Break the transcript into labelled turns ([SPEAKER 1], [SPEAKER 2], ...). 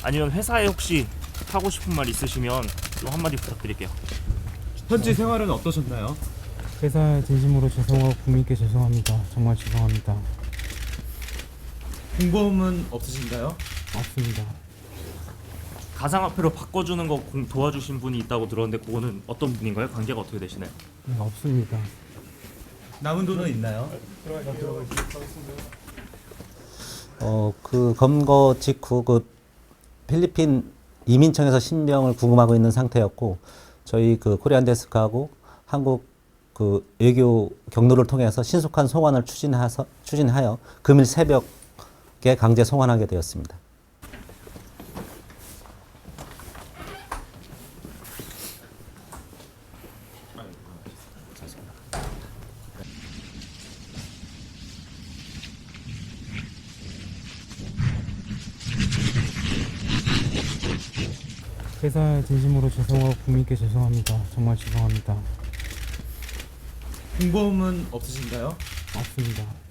[SPEAKER 1] 아니면 회사에 혹시 하고 싶은 말 있으시면 좀 한마디 부탁드릴게요.
[SPEAKER 2] 현지 생활은 어떠셨나요?
[SPEAKER 3] 회사에 진심으로 죄송하고 국민께 죄송합니다. 정말 죄송합니다.
[SPEAKER 2] 공범은 없으신가요?
[SPEAKER 3] 없습니다.
[SPEAKER 1] 가상화폐로 바꿔주는 거 도와주신 분이 있다고 들었는데 그거는 어떤 분인가요? 관계가 어떻게 되시나요?
[SPEAKER 3] 네, 없습니다.
[SPEAKER 2] 남은 돈은 있나요?
[SPEAKER 4] 그 검거 직후 그 필리핀 이민청에서 신병을 구금하고 있는 상태였고 저희 그 코리안 데스크하고 한국 그 외교 경로를 통해서 신속한 송환을 추진하여 금일 새벽에 강제 송환하게 되었습니다.
[SPEAKER 3] 회사에 진심으로 죄송하고 국민께 죄송합니다. 정말 죄송합니다.
[SPEAKER 2] 공범은 없으신가요?
[SPEAKER 3] 없습니다.